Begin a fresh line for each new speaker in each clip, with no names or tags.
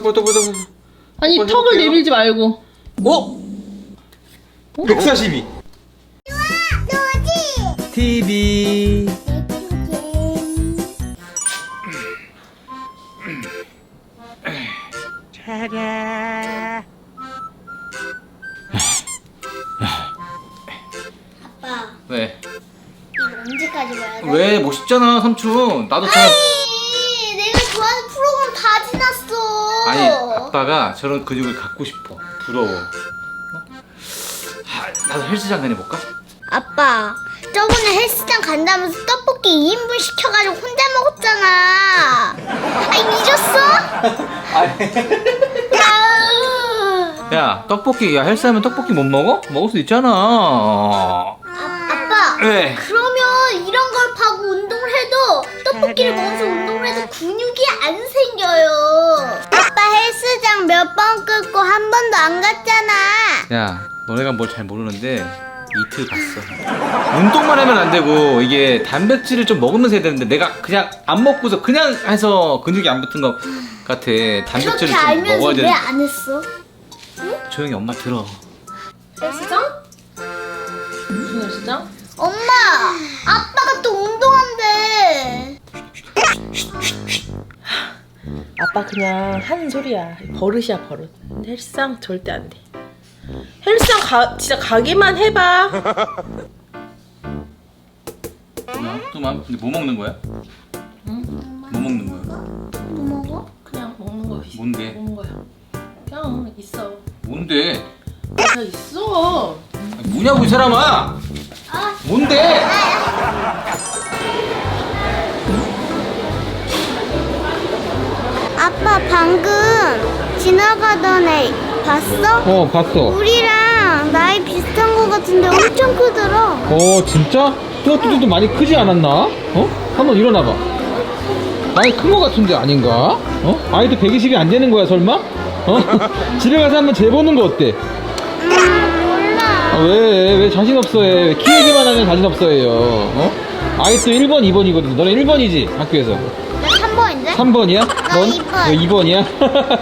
아니 턱을 내밀지 말고.
어? 142. TV.
아빠,
왜?
이거 언제까지 봐야 돼?
왜? 멋있잖아 삼촌. 나도 참.
아니, 내가 좋아하는 프로그램 다 지났어.
아니 아빠가 저런 근육을 갖고 싶어. 부러워. 나도 헬스장 다녀볼까?
아빠, 저번에 헬스장 간다면서 떡볶이 2인분 시켜가지고 혼자 먹었잖아. 아니, 잊었어? 아우.
야 떡볶이 야 헬스하면 떡볶이 못 먹어? 먹을 수 있잖아.
아빠,
왜?
그러면 이런 걸 파고 운동을 해도 떡볶이를 먹으면서 운동을 해도 근육이 안 생겨요. 아빠 헬스장 몇 번 끊고 한 번도 안 갔잖아.
야 너네가 뭘 잘 모르는데 이틀 갔어. 운동만 하면 안 되고 이게 단백질을 좀 먹으면서 해야 되는데 내가 그냥 안 먹고서 그냥 해서 근육이 안 붙은 것 같아. 단백질을
그렇게
좀
알면서
먹어야
왜
되는.
안 했어?
조용히 엄마 들어.
헬스장? 무슨 헬스장?
엄마, 아빠가 또 운동한대.
아빠 그냥 하는 소리야. 버릇이야 버릇. 헬스장 절대 안 돼. 헬스장 진짜 가기만 해봐.
또만 근데 뭐 먹는 거야?
응?
뭐 먹는 거야?
뭐 먹어?
그냥 먹는 거야.
뭔데?
먹는 거야. 그냥 있어.
뭔데?
그냥 있어.
아니, 뭐냐고 이 사람아?
아,
뭔데?
아빠 방금 지나가던 애 봤어?
봤어.
우리랑 나이 비슷한 거 같은데 엄청 크더라.
진짜? 뚜아뚜도 많이 크지 않았나? 한번 일어나봐. 많이 큰 거 같은데 아닌가? 아이도 120이 안 되는 거야 설마? 집에 가서 한번 재보는 거 어때?
몰라.
왜 자신 없어 해? 왜 키 얘기만 하면 자신 없어 해요? 아이 또 1번, 2번이거든. 너네 1번이지 학교에서.
나 3번인데?
3번이야? 넌?
2번.
너 2번이야?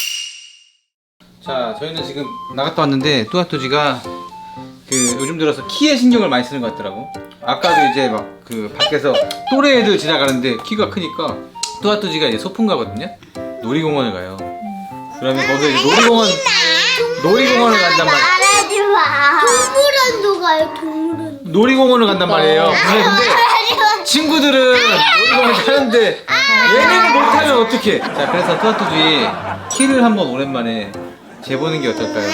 자, 저희는 지금 나갔다 왔는데 뚜아뚜지가 그 요즘 들어서 키에 신경을 많이 쓰는 것 같더라고. 아까도 이제 막 그 밖에서 또래 애들 지나가는데 키가 크니까 뚜아뚜지가 이제 소풍 가거든요. 놀이공원을 가요. 그러면 거기서 이제 놀이공원을 간단 말이에요.
말하지 마. 동물원도 가요, 동물원.
놀이공원을 간단 말이에요. 근데 친구들은 놀이공원 가는데 얘네는 못하면 어떡해. 자, 그래서 뚜아뚜지 키를 한번 오랜만에 재보는 게 어떨까요?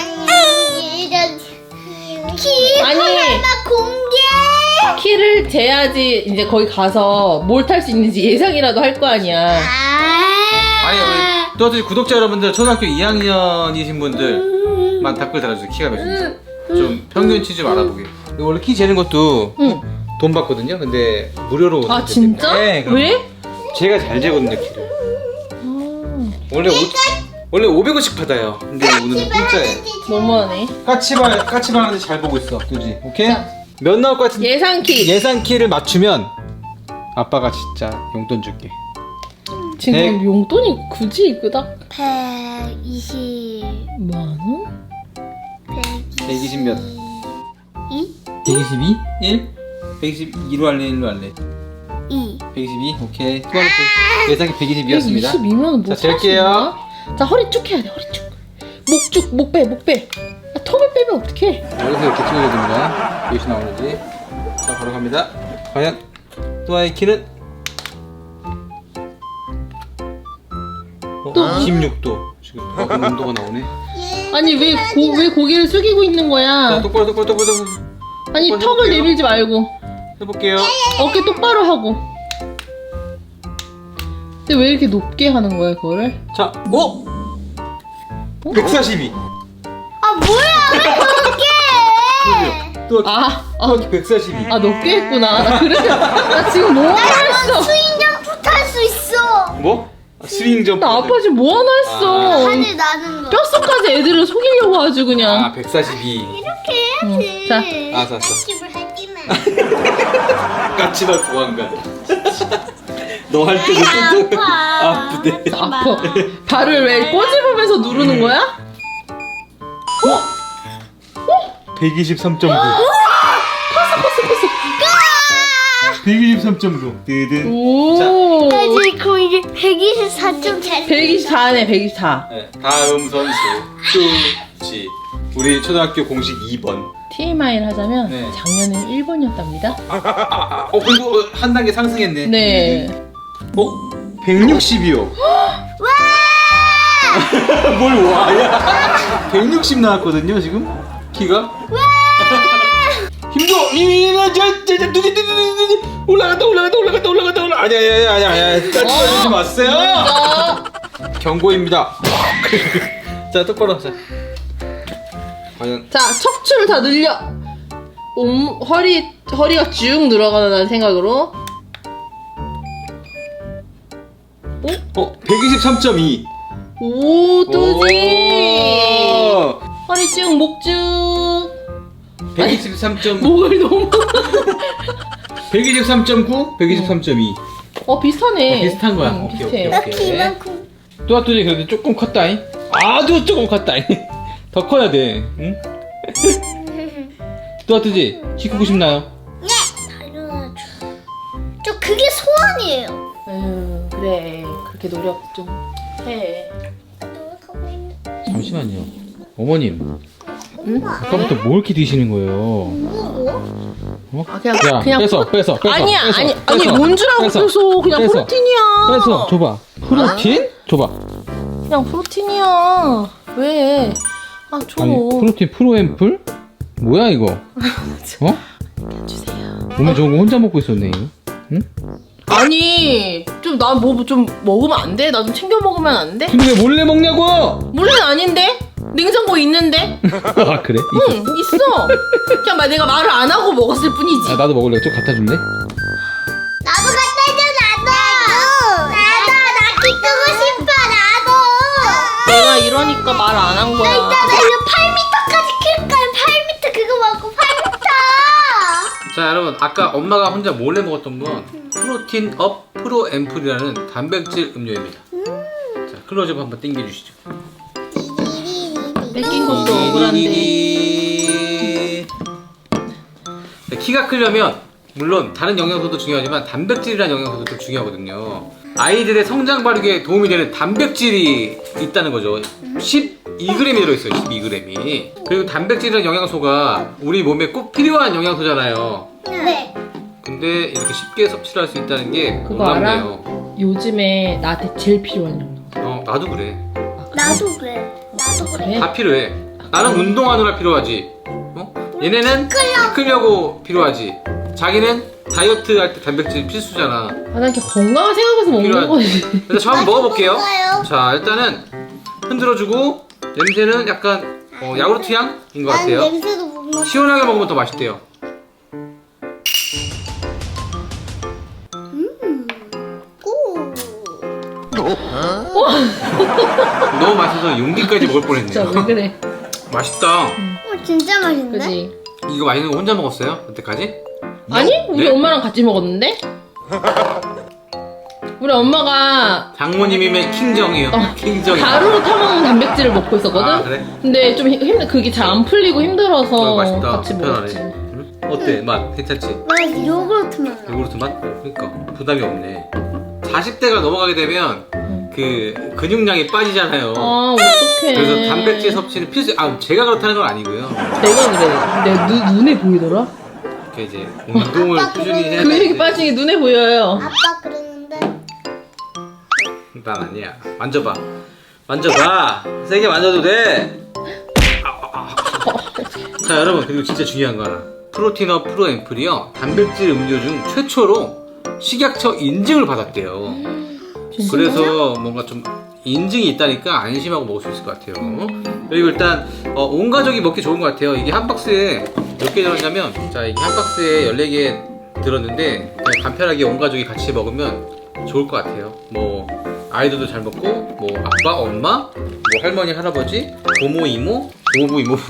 키
아니.
하나 공개.
키를 재야지 이제 거기 가서 뭘 탈 수 있는지 예상이라도 할 거 아니야.
아니 우리 뚜아뚜지 구독자 여러분들 초등학교 2학년이신 분들만 댓글 달아주세요. 키가 몇인지 좀 평균치 좀 알아보게. 원래 키 재는 것도
응.
돈 받거든요. 근데 무료로
아 진짜?
네, 그럼
왜?
제가 잘 재거든요 키를. 원래 500원씩 받아요. 근데 오늘은 공짜예요.
너무하네.
까치발 하는데 잘 보고 있어, 뚜지. 오케이? 몇 나올 것 같은데?
예상 키.
예상 키를 맞추면 아빠가 진짜 용돈 줄게.
지금
백-
용돈이 굳이 그닥
120만
원?
120 몇?
2?
122? 1? 122로 할래? 1로 할래?
2.
122? 오케이. 예상이 122였습니다.
122면 뭐
자, 잴게요.
자, 허리 쭉 해야 돼. 허리 쭉. 목 빼. 아, 턱을 빼면 어떡해?
여기서 이렇게 찍어야 됩니다. 몇이 나오는지. 자, 바로 갑니다. 과연 또아의 키는? 26도. 지금 그럼 온도가 나오네.
아니 왜 고개를 숙이고 있는
자,
거야?
똑바로.
아니
똑바로
턱을
해볼게요.
내밀지 말고
해볼게요.
어깨 똑바로 하고. 근데 왜 이렇게 높게 하는 거야 그거를?
자, 142.
아, 뭐야, 왜 그렇게
또
아
142.
높게 했구나. 나 그래서 나 지금 뭐 하나 했어.
스윙점프 탈 수 있어.
뭐? 스윙 점프.
나 아빠 지금 뭐 하나 했어.
하늘 나는 거.
뼛속까지 애들을 속이려고 아주 그냥.
142.
이렇게 해야지.
자.
알았어.
집을 하지만.
까치발 보안관. 너 할 때도 진짜 아프대.
아파. 발을 왜 꼬집으면서 누르는 거야?
123.9. 123.9. 드든.
오.
나 지금 이제 124점 잘.
124네 124.
네, 다음 선수 뚜지. 우리 초등학교 공식 2번.
TMI를 하자면
네.
작년엔 1번이었답니다.
그리고 한 단계 상승했네.
네.
160이요. 뭘 와야? 160 나왔거든요 지금 키가. 힘줘. 올라간다. 아니야. 따뜻하지 마세요. 경고입니다. 자 똑바로 하자. 과연
자 척추를 다 늘려. 허리가 쭉 늘어가는 생각으로.
123.2.
오 뚜지. 허리 쭉, 목 쭉.
123.9.
목을 너무.
123.9, 123.2.
비슷하네.
비슷한 거야.
응,
오케이.
비슷해.
이렇게 이만큼.
또아또지 그래도 조금 컸다잉. 아주 조금 컸다잉. 더 커야 돼. 응? 또아또지 키 크고 싶나요?
네. 당연하죠. 저 그게 소원이에요.
그래. 그렇게 노력 좀 해.
노력하고 있는.
잠시만요. 어머님.
엄마.
아까부터 뭘 이렇게 드시는 거예요?
뭐?
아, 그냥
야,
그냥
뺏어.
아니야.
뺏어,
아니 뭔 줄 알고
뺏어,
뺏어. 그냥
뺏어.
프로틴이야.
뺏어, 줘봐. 프로틴? 줘봐.
그냥 프로틴이야. 왜? 줘.
아니, 프로틴 프로앰플? 뭐야 이거? 어?
주세요.
몸에 좋은 거 혼자 먹고 있었네 이거. 응?
아니, 좀 나 뭐 좀 먹으면 안 돼? 나 좀 챙겨 먹으면 안 돼?
근데 왜 몰래 먹냐고?
물론 아닌데? 냉장고에 있는데?
아 그래?
응, 있어. 그냥 내가 말을 안 하고 먹었을 뿐이지.
아, 나도 먹을래. 좀 갖다 줄래?
나도 갖다 줘. 나도. 나 키크고 싶어. 나도.
내가 이러니까 말 안 한
나
거야.
이따가 이거 8m까지 클 거야. 8m 그거 먹고 8m.
자 여러분 아까 엄마가 혼자 몰래 먹었던 건 프로틴 업 프로앰플이라는 단백질 음료입니다. 자 클로즈업 한번 당겨주시죠.
뺏긴 것도 억울한데.
네, 키가 크려면 물론 다른 영양소도 중요하지만 단백질이라는 영양소도 좀 중요하거든요. 아이들의 성장 발육에 도움이 되는 단백질이 있다는 거죠. 12g이 들어있어요. 12g이. 그리고 단백질이라는 영양소가 우리 몸에 꼭 필요한 영양소잖아요.
네.
근데 이렇게 쉽게 섭취를 할 수 있다는 게
그거 알아?
놀랍네요.
요즘에 나한테 제일 필요한 영양.
나도 그래.
나도 그래. 나도 그래.
그래?
다 필요해. 나는 운동하느라 필요하지. 얘네는 크려고 필요하지. 자기는 다이어트 할 때 단백질 필수잖아.
난 이렇게 건강을 생각해서 먹는
필요한-
거지.
일단 저 한번 먹어볼게요.
먹어요.
자 일단은 흔들어주고 냄새는 약간 야구르트 향인 것
난
같아요.
냄새도 못 맡아.
시원하게 먹으면 더 맛있대요.
고.
너무 맛있어서 용기까지 먹을
진짜
뻔했네요.
왜 그래?
맛있다.
진짜 맛있는데?
그지?
이거 맛있는 거 혼자 먹었어요? 여태까지?
아니? 우리
네?
엄마랑 같이 먹었는데? 우리 엄마가
장모님이면 킹정이에요. 킹정이.
가루로 타먹는 단백질을 먹고 있었거든?
아, 그래?
근데 좀 그게 잘 안 풀리고 힘들어서
맛있다.
같이 먹었지.
편하네. 응? 어때? 맛 괜찮지?
나 요구르트 맛.
요구르트 맛? 그러니까 부담이 없네. 40대가 넘어가게 되면 그 근육량이 빠지잖아요.
아, 어떡해.
그래서 단백질 섭취는 필수. 제가 그렇다는 건 아니고요.
내가 그래. 내 눈에 보이더라?
이렇게 이제 운동을
아빠
꾸준히 해야
근육이
되는데
빠진 게 눈에 보여요.
아빠 그러는데.
난 아니야. 만져봐. 만져봐. 세게 만져도 돼. 자 여러분 그리고 진짜 중요한 거 하나. 프로틴업 프로앰플이요 단백질 음료 중 최초로 식약처 인증을 받았대요. 그래서 뭔가 좀 인증이 있다니까 안심하고 먹을 수 있을 것 같아요. 그리고 일단 온 가족이 먹기 좋은 것 같아요. 이게 한 박스에 몇 개 들었냐면 자 이게 한 박스에 14개 들었는데 그냥 간편하게 온 가족이 같이 먹으면 좋을 것 같아요. 뭐 아이들도 잘 먹고 뭐 아빠 엄마 뭐 할머니 할아버지 고모 이모 고부 이모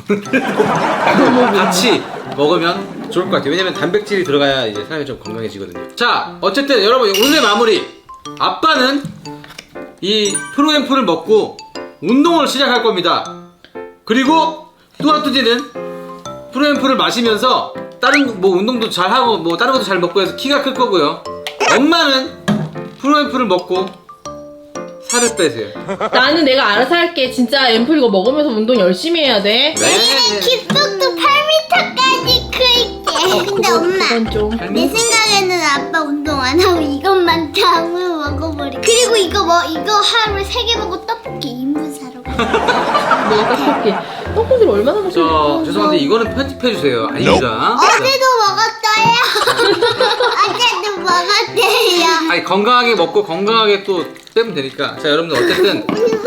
같이 먹으면 좋을 것 같아요. 왜냐면 단백질이 들어가야 이제 사람이 좀 건강해지거든요. 자 어쨌든 여러분 오늘의 마무리 아빠는 이 프로앰플을 먹고 운동을 시작할 겁니다. 그리고 뚜아뚜지는 프로앰플을 마시면서 다른 뭐 운동도 잘 하고 뭐 다른 것도 잘 먹고 해서 키가 클 거고요. 엄마는 프로앰플을 먹고 살을 빼세요.
나는 내가 알아서 할게. 진짜 앰플 이거 먹으면서 운동 열심히 해야 돼.
내년엔 귓속도 8m까지 클게. 근데 엄마,
그건 좀.
내 생각에는 아빠 운동 안 하고 이것만 다 먹어버리. 그리고 이거 하루에 3개 먹고 떡볶이 2인분 사러 가.
내가 떡볶이. 떡볶이를 얼마나 먹고
저 죄송한데 이거는 편집해 주세요. 아닙니다.
어제도 먹었어요. 어제도 먹었대요.
아니 건강하게 먹고 건강하게 또 빼면 되니까. 자 여러분들 어쨌든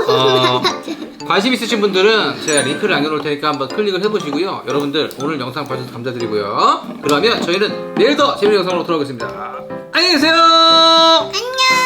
관심 있으신 분들은 제가 링크를 남겨놓을 테니까 한번 클릭을 해보시고요. 여러분들 오늘 영상 봐주셔서 감사드리고요. 그러면 저희는 내일 더 재밌는 영상으로 돌아오겠습니다. 안녕히 계세요.
안녕.